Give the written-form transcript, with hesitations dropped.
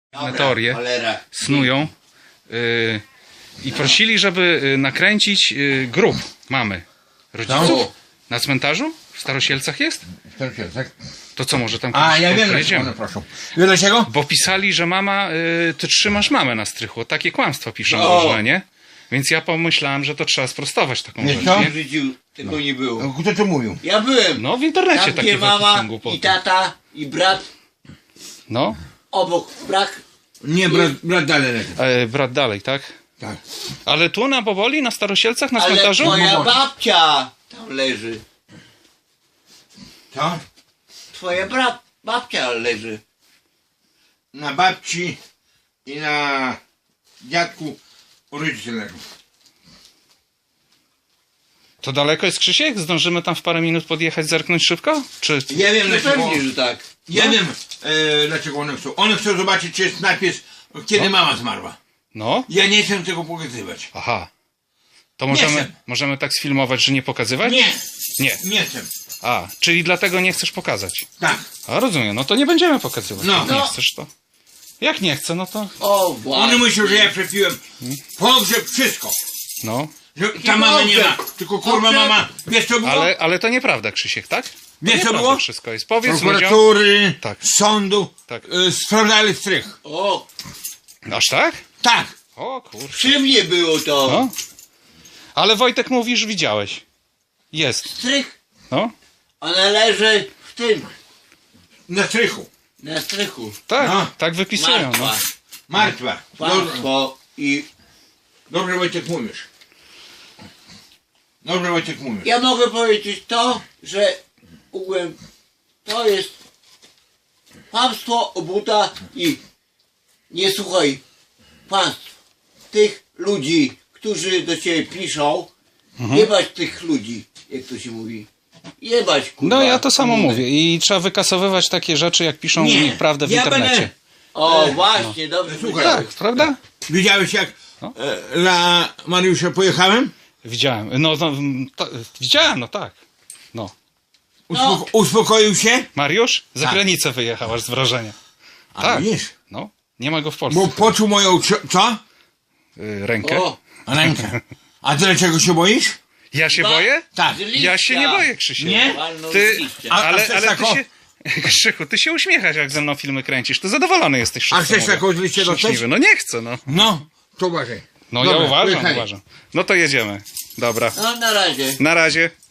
Na teorię snują i prosili, żeby nakręcić grób mamy rodziców. Na cmentarzu? W Starosielcach jest? W Starosielcach. To co, może tam A, ja wiem, pojedziemy? dlaczego, proszę. Wiesz dlaczego? Bo pisali, że mama, ty trzymasz mamę na strychu. Takie kłamstwa piszą różne, nie? Więc ja pomyślałem, że to trzeba sprostować taką Wiesz rzecz, co? nie? W życiu tego nie było. Kto to mówił? Ja byłem. No w internecie Tam, takie gdzie mama są głupoty. i tata i brat No, obok brak. Nie, brat dalej leży. brat dalej, tak? Tak. Ale tu na Boboli, na Starosielcach, na Ale cmentarzu? twoja babcia tam leży. Co? Twoja babcia leży. Na babci i na dziadku rodzice leżą. To daleko jest, Krzysiek? Zdążymy tam w parę minut podjechać, zerknąć szybko? Czy... Ja wiem No dlaczego. pewnie, że tak. Ja wiem dlaczego one chcą. One chcą zobaczyć, czy jest napis, kiedy mama zmarła. No? Ja nie chcę tego pokazywać. Aha. To Nie możemy, chcę. możemy tak sfilmować, że nie pokazywać? Nie. Nie. Nie chcę. A, czyli dlatego nie chcesz pokazać. Tak. A, rozumiem, no to nie będziemy pokazywać. No. Jak nie No. chcesz, to... Jak nie chcę, no to... O, właśnie. One myślą, że ja przepiłem pogrzeb, wszystko. No. Że ta mama nie ma. Tylko kurwa mama, wiesz co było? Ale to nieprawda, Krzysiek, tak? To Wiesz co nieprawda było? wszystko jest. Powiedz ludziom... Prokuratury, Tak. sądu, Tak. sprawdzali strych. O, Aż tak? Tak. O kurczę. przy mnie było to. No. Ale Wojtek mówisz, widziałeś. Jest. Strych. No. Ona leży w tym. Na strychu. Na strychu. Tak, No. tak wypisują, no. Martwa. Martwa. Martwo i Dobrze Wojciech mówisz. Dobrze Wojciech mówisz. ja mogę powiedzieć to, że ogółem to jest kłamstwo, obłuda i nie słuchaj państw, tych ludzi, którzy do ciebie piszą, jebać tych ludzi, jak to się mówi. Jebać, kurwa. No ja to samo mówię i trzeba wykasowywać takie rzeczy, jak piszą Nie, prawdę w ja internecie. będę- O, właśnie, dobrze. Słuchaj. Tak, prawda? Widziałeś jak No. dla Mariusza pojechałem? Widziałem. No, widziałem, no tak. No. No. Uspokoił się? Mariusz? Za Tak. granicę wyjechał aż z wrażenia. A Tak. widzisz? No. Nie ma go w Polsce. Bo poczuł moją co? Rękę. O, Rękę. A ty dlaczego się boisz? Ja się Ba- boję? Tak. z Ja się nie liścia. boję, Krzysiek. Nie? Walnął Ty, z liścia. ale chcesz ty taką? się... Krzychu, ty się uśmiechasz, jak ze mną filmy kręcisz. To zadowolony jesteś. A wszystko chcesz mówię. taką z liścia dostać? Szczęśliwy. No nie chcę, no. No, to uważaj. No Dobra, ja pojechali. uważam. No to jedziemy. Dobra. No, na razie. Na razie.